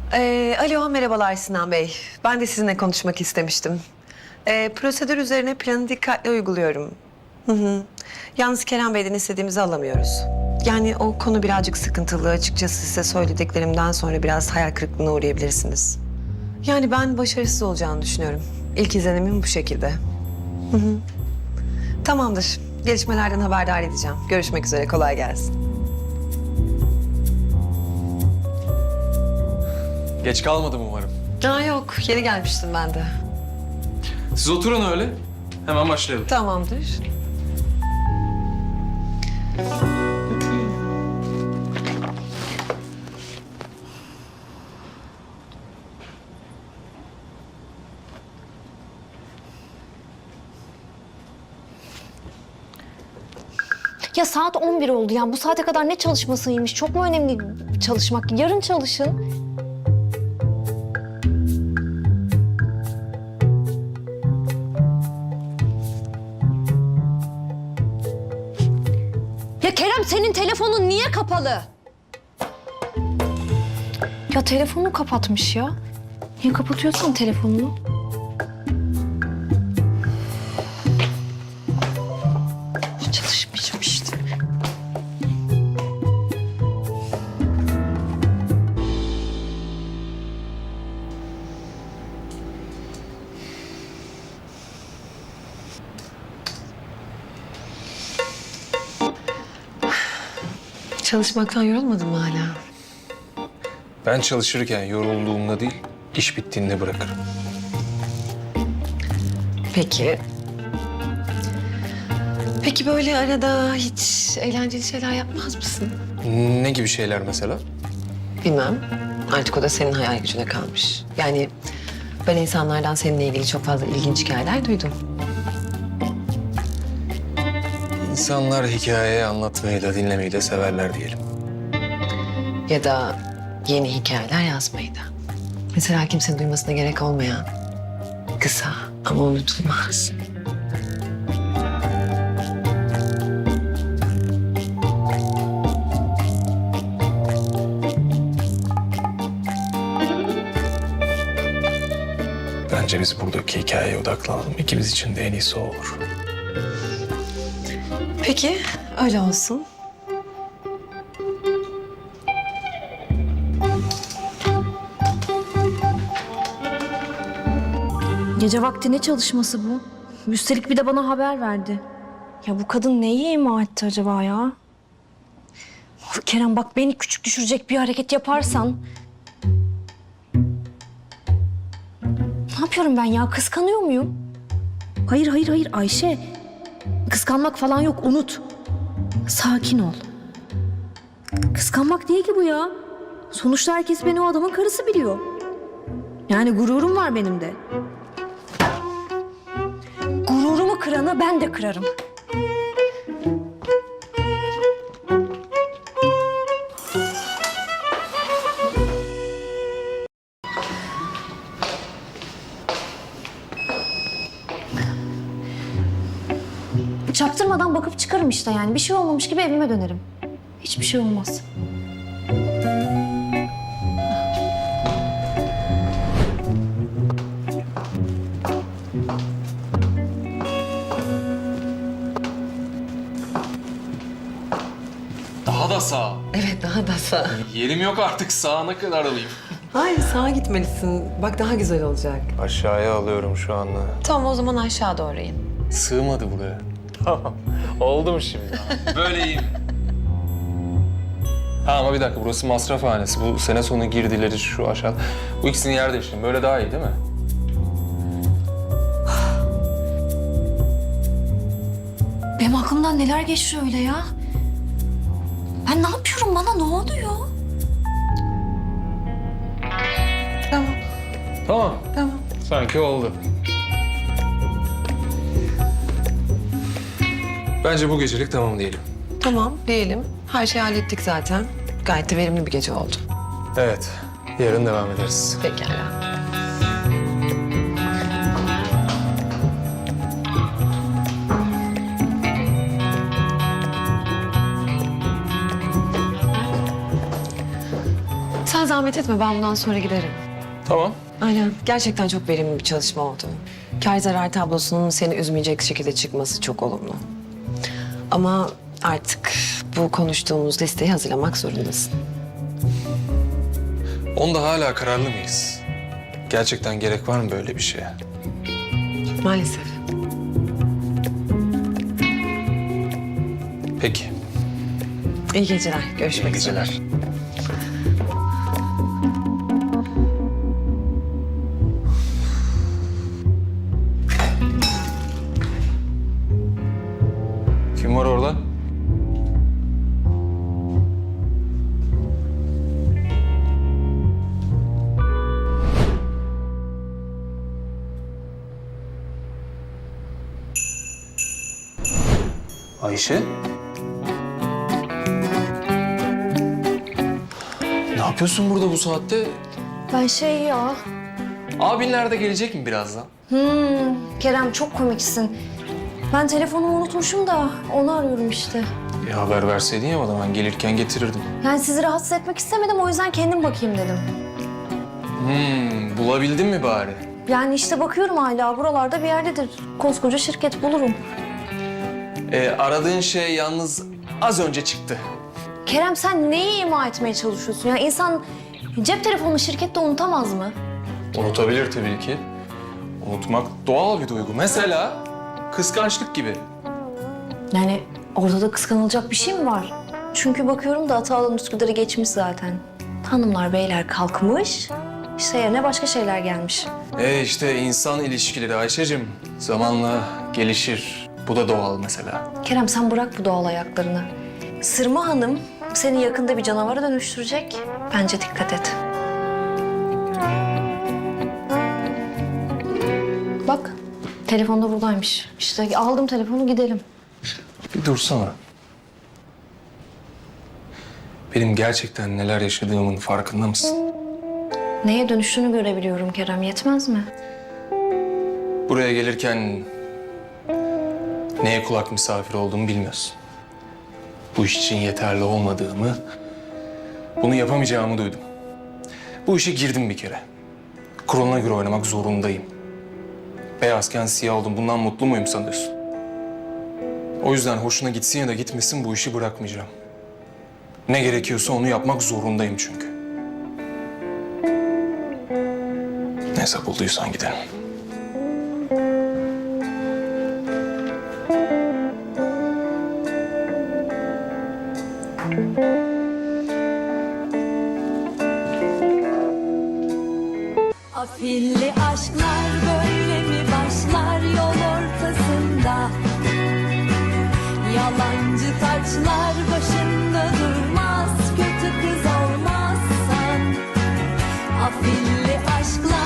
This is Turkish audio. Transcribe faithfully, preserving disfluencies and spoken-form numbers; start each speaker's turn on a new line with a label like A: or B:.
A: Ee, alo, merhabalar Sinan Bey. Ben de sizinle konuşmak istemiştim. Ee, prosedür üzerine planı dikkatli uyguluyorum. Hı hı. Yalnız Kerem Bey'den istediğimizi alamıyoruz. Yani o konu birazcık sıkıntılı. Açıkçası size söylediklerimden sonra biraz hayal kırıklığına uğrayabilirsiniz. Yani ben başarısız olacağını düşünüyorum. İlk izlenimim bu şekilde. Hı hı. Tamamdır. Gelişmelerden haberdar edeceğim. Görüşmek üzere. Kolay gelsin.
B: Geç kalmadım umarım.
A: Aa, yok. Yeni gelmiştim ben de.
B: Siz oturun öyle. Hemen başlayalım.
A: Tamamdır.
C: Ya saat on bir oldu ya. Bu saate kadar ne çalışmasıymış? Çok mu önemli çalışmak? Yarın çalışın. Ya Kerem, senin telefonun niye kapalı? Ya telefonu kapatmış ya. Niye kapatıyorsan telefonunu? Çalışmayacağım işte.
A: Çalışmaktan yorulmadın mı hala?
B: Ben çalışırken yorulduğumda değil, iş bittiğinde bırakırım.
A: Peki. Peki böyle arada hiç eğlenceli şeyler yapmaz mısın?
B: Ne gibi şeyler mesela?
A: Bilmem. Artık o da senin hayal gücüne kalmış. Yani ben insanlardan seninle ilgili çok fazla ilginç hikayeler duydum.
B: İnsanlar hikaye anlatmayı da dinlemeyi de severler diyelim.
A: Ya da yeni hikayeler yazmayı da. Mesela kimsenin duymasına gerek olmayan, kısa ama unutulmaz.
B: Bence biz buradaki hikayeye odaklanalım. İkimiz için de en iyisi o olur.
A: Peki, öyle olsun.
C: Gece vakti ne çalışması bu? Üstelik bir de bana haber verdi. Ya bu kadın neyi ima etti acaba ya? Of Kerem, bak beni küçük düşürecek bir hareket yaparsan... Ne yapıyorum ben ya? Kıskanıyor muyum? Hayır, hayır, hayır Ayşe. Kıskanmak falan yok, unut. Sakin ol. Kıskanmak değil ki bu ya. Sonuçta herkes beni o adamın karısı biliyor. Yani gururum var benim de. Gururumu kırana ben de kırarım. Çaktırmadan bakıp çıkarım işte yani. Bir şey olmamış gibi evime dönerim. Hiçbir şey olmaz.
B: Daha da sağ.
A: Evet, daha da sağ.
B: Yerim yok artık, sağına kadar alayım.
A: Hayır, sağa gitmelisin. Bak daha güzel olacak.
B: Aşağıya alıyorum şu anda.
A: Tamam, o zaman aşağı doğru in.
B: Sığmadı buraya. Tamam. Oldu mu şimdi? Böyle iyiyim. Ha ama bir dakika, burası masrafhanesi. Bu sene sonu girdileri şu aşağı. Bu ikisini yer değiştirin. Böyle daha iyi değil mi?
C: Benim aklımdan neler geçiyor öyle ya? Ben ne yapıyorum? Bana ne oluyor?
A: Tamam,
B: Tamam.
A: tamam.
B: Sanki oldu. Bence bu gecelik tamam diyelim.
A: Tamam, diyelim. Her şeyi hallettik zaten. Gayet de verimli bir gece oldu.
B: Evet. Yarın devam ederiz.
A: Pekala. Sen zahmet etme, ben bundan sonra giderim.
B: Tamam.
A: Aynen. Gerçekten çok verimli bir çalışma oldu. Kar zarar tablosunun seni üzmeyecek şekilde çıkması çok olumlu. Ama artık bu konuştuğumuz listeyi hazırlamak zorundasın.
B: Onda hala kararlı mıyız? Gerçekten gerek var mı böyle bir şeye?
A: Maalesef.
B: Peki.
A: İyi geceler. Görüşmek
B: İyi
A: üzere.
B: geceler. Kim var orada? Ayşe? Ne yapıyorsun burada bu saatte?
C: Ben şey ya...
B: Abinler de gelecek mi birazdan?
C: Hmm, Kerem çok komiksin. Ben telefonumu unutmuşum da onu arıyorum işte.
B: Bir haber verseydin ya bana, ben gelirken getirirdim.
C: Yani sizi rahatsız etmek istemedim, o yüzden kendim bakayım dedim.
B: Hmm, bulabildin mi bari?
C: Yani işte bakıyorum hala, buralarda bir yerdedir. Koskoca şirket, bulurum.
B: Ee, aradığın şey yalnız az önce çıktı.
C: Kerem sen neyi ima etmeye çalışıyorsun? Ya insan cep telefonunu şirkette unutamaz mı?
B: Unutabilir tabii ki. Unutmak doğal bir duygu. Mesela kıskançlık gibi.
C: Yani ortada kıskanılacak bir şey mi var? Çünkü bakıyorum da Atalan Üsküdar'ı geçmiş zaten. Hanımlar beyler kalkmış, işte yerine başka şeyler gelmiş.
B: E işte insan ilişkileri Ayşe'cim zamanla gelişir. Bu da doğal mesela.
C: Kerem sen bırak bu doğal ayaklarını. Sırma Hanım seni yakında bir canavara dönüştürecek. Bence dikkat et. Bak, telefon da buradaymış. İşte aldım telefonu, gidelim.
B: Bir dursana. Benim gerçekten neler yaşadığımın farkında mısın?
C: Neye dönüştüğünü görebiliyorum Kerem, yetmez mi?
B: Buraya gelirken neye kulak misafir olduğumu bilmiyorsun. Bu iş için yeterli olmadığımı, bunu yapamayacağımı duydum. Bu işe girdim bir kere. Kuralına göre oynamak zorundayım. Beyazken siyah oldum. Bundan mutlu muyum sanıyorsun? O yüzden hoşuna gitsin ya da gitmesin bu işi bırakmayacağım. Ne gerekiyorsa onu yapmak zorundayım çünkü. Neyse bulduysan gidelim.
D: Afilli aşklar böyle mi başlar yol ortasında? Yalancı taçlar başında durmaz, kötü kız olmazsan. Afilli aşklar